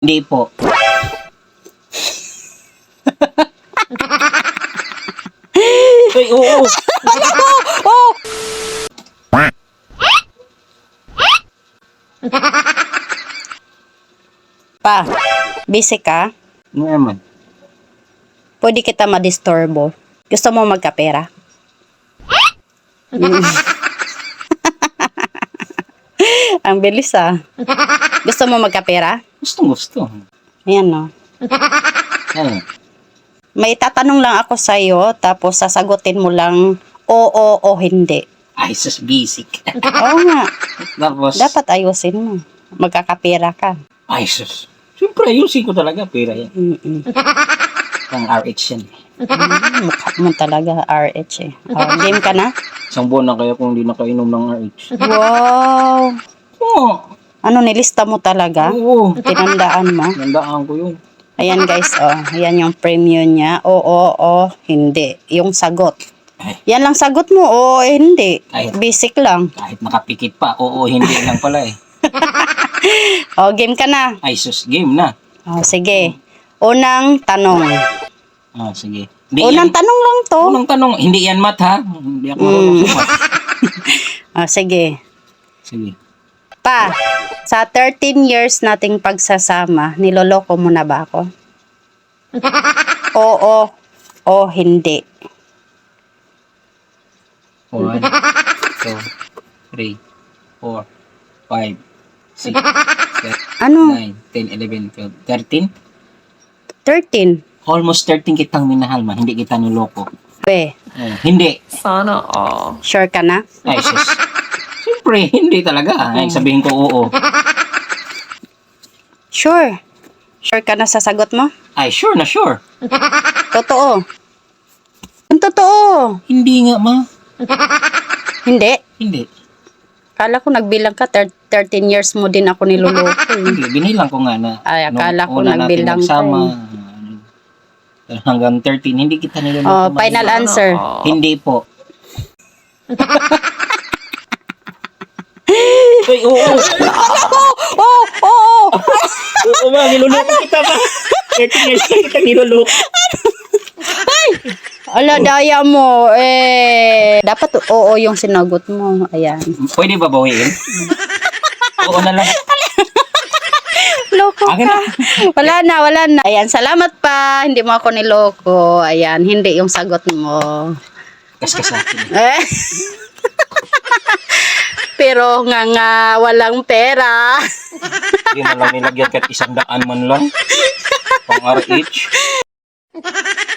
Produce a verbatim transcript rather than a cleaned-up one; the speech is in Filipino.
Hindi po. Ay, oo. Oh! Pa, busy ka? Ano naman? Pwede kita madisturbo. Gusto mo magkapera? Mm. Ang bilis ah. Gusto mo magkapera? Gusto, gusto. Ayan no. Ano? May tatanong lang ako sa'yo, tapos sasagutin mo lang oo o hindi. Ay, sus, basic. Oo nga. Tapos, Dapat ayusin mo. Magkakapera ka. ay, sus. Siyempre, ayusin ko talaga. Pera yan. Mm-mm. Pang R H yan. Mm, mukha mo talaga R H eh. Oh, game ka na? Isang buwan na kaya kung hindi nakainom ng R H. Wow! Oo. Ano, nilista mo talaga? Oo. Tinandaan mo? Nandaan ko yun. Ayan guys, oh. Ayan yung premium niya. Oo, o, hindi. Yung sagot. Ay, Yan lang sagot mo, oo, eh, hindi. Ay. Basic lang. kahit nakapikit pa. Oo, hindi lang pala eh. Oh, game ka na. Ay, sus, game na. Oh, sige. Unang tanong. Ah, sige. Hindi Unang yan, tanong lang to. unang tanong, hindi yan mat ha. Hindi ako Mm. marunong sa mat. Oh, sige. Sige. Pa, sa thirteen years nating pagsasama, niloloko mo na ba ako? Oo o hindi. One, two, three, four, five, six, seven, Ano? nine, ten, eleven, twelve, thirteen? thirteen. Almost thirteen kitang minahal man, hindi kita niloko. Pe, Oh, hindi. Sana all. sure ka na? Ay, sus. Siyempre, hindi talaga. Ay, sabihin ko oo. Sure. Sure ka na sa sagot mo? Ay, sure na sure. Totoo. Ang totoo. Hindi nga, ma. Hindi. Hindi. Kala ko nagbilang ka, thir- thirteen years mo din ako niloloko. eh. Hindi. Binilang ko nga na. Ay, akala ko nung una natin nagbilang ka nagsama, eh. ah, hanggang thirteen, hindi kita niloloko. Oh, ma. final answer. Hindi po. Ay, oo. Oh, oh, oh. Oo, ma. Niloloko kita, ma. thirteen years na kita niloloko. Ala, daya mo. Eh, dapat oo yung sinagot mo. Ayan. Pwede ba bawiin? Oo na lang. Loko Akin ka. na. Wala na, wala na. Ayan, salamat pa. Hindi mo ako niloko. Ayan, hindi yung sagot mo. Kaskas sa akin. Eh. Pero nga nga, walang pera. Hindi man lang nilagyan kahit isang daan man lang. Pang R H.